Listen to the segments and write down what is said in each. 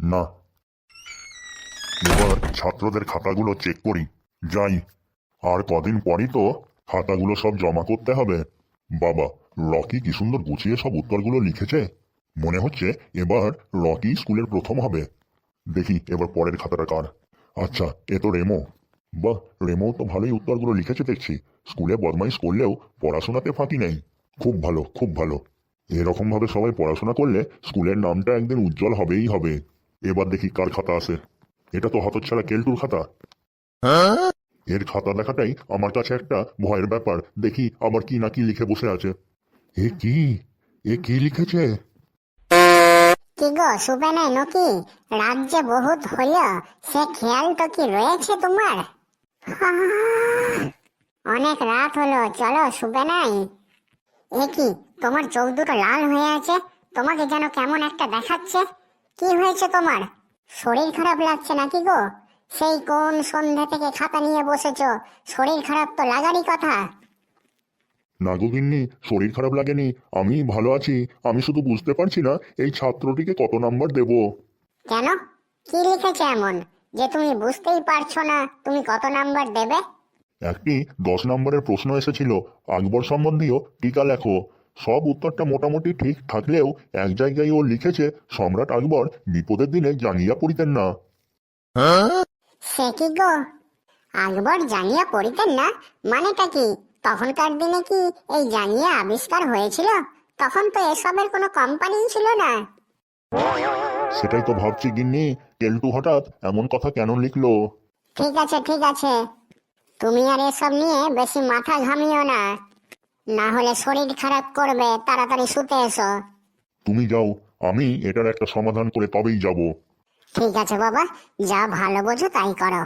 না, এবার ছাত্রদের খাতাগুলো চেক করি। যাই, আর কদিন পরই তো খাতাগুলো সব জমা করতে হবে। বাবা, রকি কি সুন্দর গুছিয়ে সব উত্তরগুলো লিখেছে। মনে হচ্ছে এবার রকি স্কুলের প্রথম হবে। দেখি এবার পরের খাতাটা কার। আচ্ছা, এ তো রেমো। বাহ, রেমো তো ভালোই উত্তরগুলো লিখেছে দেখছি। স্কুলে বদমাইশ করলেও পড়াশোনাতে ফাঁকি নেই। খুব ভালো, খুব ভালো। এরকম ভাবে সবাই পড়াশোনা করলে স্কুলের নামটা একদিন উজ্জ্বল হবেই হবে। এবার দেখি কার খাতা আছে। এটা তো হতচ্ছাড়া কেলটুর খাতা। এর খাতা দেখাটাই আমার কাছে একটা ভয়ের ব্যাপার। দেখি আবার কি না কি লিখে বসে আছে। এ কি, এ কি লিখেছে? কি গো শুবে নাই নাকি? রাত যে বহুত হইল, সে খেয়াল তো কি রয়েছে তোমার? অনেক রাত হলো, চলো শুবে নাই। এ কি, তোমার চোখ দুটো লাল হয়ে আছে, তোমাকে যেন কেমন একটা দেখাচ্ছে। কি হয়েছে তোমার? শরীর খারাপ লাগছে নাকি গো? সেই কোন সন্ধ্যা থেকে খাতা নিয়ে বসেছো, শরীর খারাপ তো লাগারই কথা। না গো গিন্নি, শরীর খারাপ লাগেনি, আমি ভালো আছি। আমি শুধু বুঝতে পারছি না এই ছাত্রটিকে কত নাম্বার দেব। কেন, কি লিখেছে এমন যে তুমি বুঝতেই পারছো না তুমি কত নাম্বার দেবে? একটি 10 নম্বরের প্রশ্ন এসেছিল, আকবর সম্বন্ধীয় টিকা লেখো। সব উত্তরটা মোটামুটি ঠিক থাকলেও এক জায়গায় ও লিখেছে সম্রাট আকবর বিপদের দিনে জাঙ্গিয়া পরিতেন না। সে কি গো, আকবর জাঙ্গিয়া পরিতেন না? মানেটা কি? তখনকার দিনে কি এই জাঙ্গিয়া আবিষ্কার হয়েছিল? তখন তো এসবের কোনো কোম্পানি ছিল না। সেটাই তো ভাবছি গিন্নি, কেলটু হঠাৎ এমন কথা কেন লিখলো। ঠিক আছে ঠিক আছে, তুমি আর এসব নিয়ে বেশি মাথা ঘামিও না, না হলে শরীর খারাপ করবে। তাড়াতাড়ি শুতে এসো। তুমি যাও, আমি এটার একটা সমাধান করে তবেই যাব। ঠিক আছে বাবা, যা ভালো বোঝো তাই করো।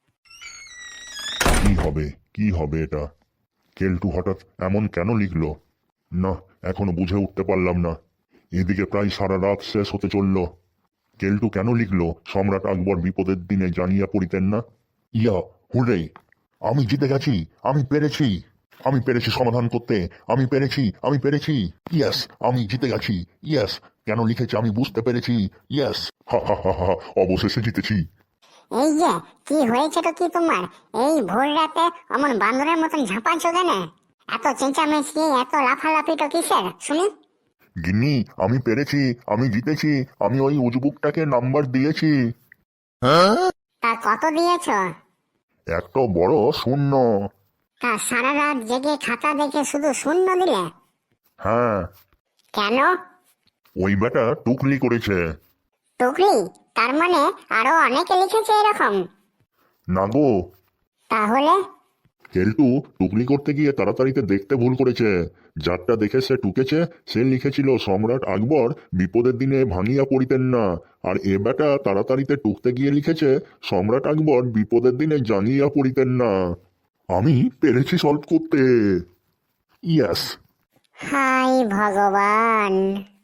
কি হবে, কি হবে এটা? কেলটু হঠাৎ এমন কেন লিখলো? না, এখনো বুঝে উঠতে পারলাম না। এদিকে প্রায় সারা রাত শেষ হতে চলল। কেলটু কেন লিখলো সম্রাট আকবর বিপদের দিনে জানিয়া পড়িতেন না? ইয়া, হুরে, আমি জিতে গেছি, আমি পেরেছি, আমি পেরেছি সমাধান করতে, আমি পেরেছি, আমি পেরেছি। ইয়েস, আমি জিতে গেছি। ইয়েস, কেন লিখেছে আমি বুঝতে পেরেছি। ইয়েস, হা হা হা হা, অবশেষে জিতেছি। এই যে, কি হয়েছে তো কি তোমার? এই ভোর রাতে অমন বান্দরের মতন ঝাঁপাচ্ছ কেন? এত চেঁচামেচি, এত লাফালাফি তো কিসের শুনি? গিন্নি, আমি পেরেছি, আমি জিতেছি, আমি ওই উজবুকটাকে নাম্বার দিয়েছি। তা কত দিয়েছ? একটা বড় শূন্য। তা সারা রাত জেগে খাতা দেখে শুধু শূন্য দিলে? হ্যাঁ, কেন? ওই বেটা টুকলি করেছে। টুকলি? তার মানে আরো অনেকে লিখেছে এরকম? না গো, তাহলে? কেলটু টুকলি করতে গিয়ে তাড়াতাড়িতে দেখতে ভুল করেছে। যারটা দেখে সে টুকেছে সে লিখেছিল সম্রাট আকবর বিপদের দিনে ভাঙিয়া পড়িতেন না, আর এ বেটা তাড়াতাড়িতে টুকতে গিয়ে লিখেছে সম্রাট আকবর বিপদের দিনে জাঙ্গিয়া পড়িতেন না। আমি পেরেছি সলভ করতে। ইয়েস। হাই ভগবান!